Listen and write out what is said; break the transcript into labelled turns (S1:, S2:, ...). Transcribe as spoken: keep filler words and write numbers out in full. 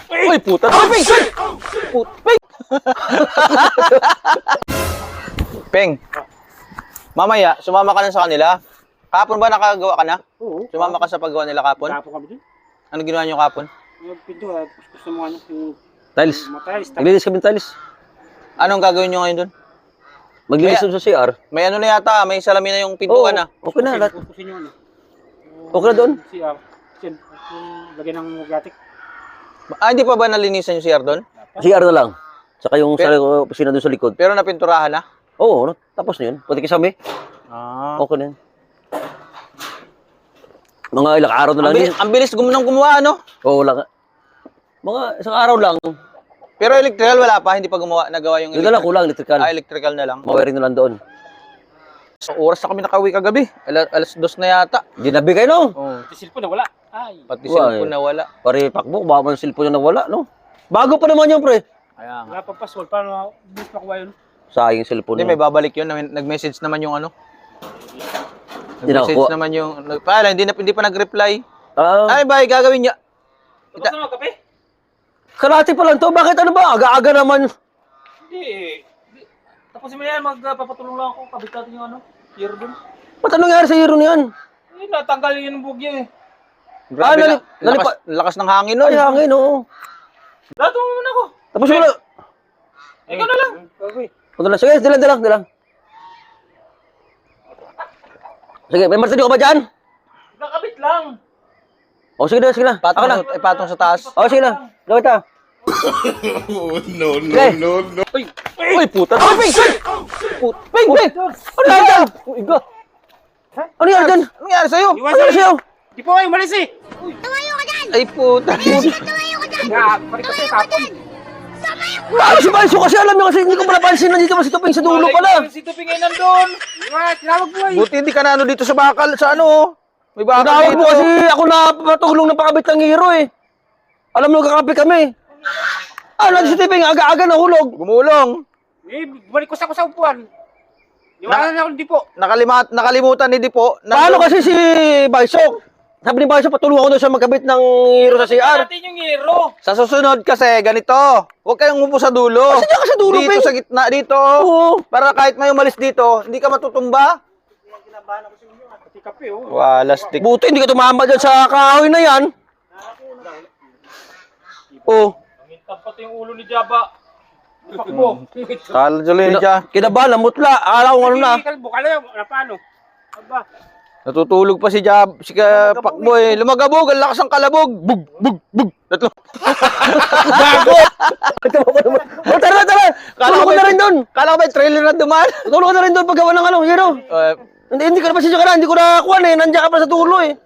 S1: Uy, puta. Uy, Peng! Put, Peng! Peng, mamaya, sumama ka na sa kanila. Kapon ba nakagawa ka na?
S2: Oo.
S1: Sumama ka sa paggawa nila kapon?
S2: Kapon kami dun.
S1: Ano ginawa niyo kapon?
S2: Yung pinto, ah, gusto mo ano, yung
S3: Tiles.
S2: matiles.
S3: Naglinis kami ng tiles.
S1: Anong gagawin niyo ngayon doon?
S3: Maglinis
S1: Kaya-
S3: sa C R.
S1: May ano na yata, may salamin na yung pintuan na.
S3: Okay na. Lahat.
S2: Pupusin yun, ano.
S3: Okay na doon.
S2: Si R. Kasi yung lagyan ng gatik.
S1: Ah, hindi pa ba nalinisan yung C R doon?
S3: C R na lang. Saka yung sa
S1: Pero-
S3: opisina doon sa likod.
S1: Pero napinturahan na?
S3: Oo, no? Tapos na yun. Pati kasami.
S1: Ah.
S3: Okay na yun. Mga ilang araw na
S1: Ang
S3: lang
S1: bilis,
S3: yun.
S1: ang bilis gumunang gumawa, ano?
S3: Oo, wala nga. Mga isang araw lang.
S1: Pero electrical wala pa, hindi pa gumawa, nagawa yung
S3: Yung na lang, kulang, electrical.
S1: Ah, electrical na lang.
S3: Mawiring na lang doon.
S1: So, oras na kami nakauwi kagabi. Alas, alas dos na yata.
S3: Ginabi kayo, no?
S1: Oh.
S2: Yung cellphone na wala. Ay.
S1: Pati
S3: Wala,
S1: cellphone
S3: eh.
S1: na wala.
S3: Pare, pakbo, baka man cellphone yung nawala, no? Bago pa naman yung pre.
S1: Kaya nga.
S2: Wala pa password. Paano bilis makuha yun?
S3: Sayang yung cellphone
S1: Hindi,
S3: yun.
S1: may babalik yun. Nag-message naman yung ano.
S3: Hindi
S1: Nag-message
S3: nakuha.
S1: naman yung... Pala, hindi, na, hindi pa nag-reply.
S3: Ah,
S1: Ay, bay, gagawin niya.
S2: Tapos na magkape?
S3: kalati pa lang to. Bakit ano ba? Aga-aga naman.
S2: Hindi. Tapos mo yan, magpapatulong lang ako. Kabit natin yung ano. Hero dun.
S3: Ba't anong nangyari sa hero niyan?
S2: Eh, natanggal yun yung bugya eh.
S1: Grabe
S3: Ah,
S1: na.
S3: nali-
S1: Lakas,
S3: nalipa-
S1: lakas ng hangin nun.
S3: Ay, hangin, oo.
S2: Lato mo muna ako.
S3: Tapos wala.
S2: Ikaw na lang. Okay.
S3: Punta na. Sige, dilang, dilang, dilang. Sige, may martilyo ka ba dyan?
S2: Nakabit lang.
S3: O, sige na, sige na.
S1: Patong,
S3: Ako na.
S1: sa- eh, patong sa taas.
S3: O, sige na. Gawin ta.
S4: no, no,
S3: Okay.
S4: no, no.
S1: Uy, puta. Uy, Peng! Put, Peng, Peng!
S3: Ano nangyari dyan?
S1: Uy, iga.
S3: Ano nangyari dyan?
S1: Ano nangyari sa'yo?
S3: Ano nangyari sa'yo?
S2: Di po kayo, malis eh.
S1: Ay, puta.
S2: Ya, balik kasi tapon.
S3: Ano si Balso kasi alam niya kasi hindi ko pala pansin nandito pa si Tuping sa dulo pala.
S2: Si Tuping ay nandun. Diba, tinawag mo eh.
S1: Buti hindi ka na ano dito sa bakal, sa ano, oh. May bakal
S3: Tinawag
S1: dito.
S3: mo kasi ako na patulong ng pakabit ng hero eh. Alam mo kakapit kami. Ah, nandito si Tuping aga-aga nahulog.
S1: Gumulong.
S2: Eh, balik ko sa ko sa upuan. Di wala na ako di po.
S1: Nakalimat, nakalimutan ni Dipo.
S3: Paano kasi si Balso? Sabi ni Balso patulungan ko daw siya magkabit ng hero sa C R.
S2: Natin yung hero.
S1: Sa susunod kasi, ganito. Huwag kayong umupo sa dulo.
S3: Kasi diyan ka sa dulo,
S1: Dito
S3: Peng.
S1: sa gitna, dito.
S3: Oo.
S1: Para kahit may umalis dito, hindi ka matutumba.
S2: Pati kape oh.
S1: Wala, stick.
S3: Buti hindi ka tumama dyan sa kahoy na yan. Oh.
S2: Nangintab pati yung ulo ni Jabba. Pakbo.
S1: Kala tuloy ni Jah.
S3: Kinabahan, namutla. Akala ko ano na.
S2: Kalbo ka lang. Ano paano? Aba.
S1: Natutulog pa si Jab, si ka, Pakboy. Lumagabog, ang lakas ng kalabog. Bug, bug, bug. Tatlo. Gago!
S3: Oh, tara, tara. Tulong ko
S1: may-
S3: na rin doon.
S1: Kala ko ba yung trailer na dumaan?
S3: Tulong ko na rin doon paggawa ng ano, hero.
S1: Uh,
S3: Hindi, hindi ka na pasensya ka na, hindi ko na kuha eh. Nandiyan ka pa sa tulo eh.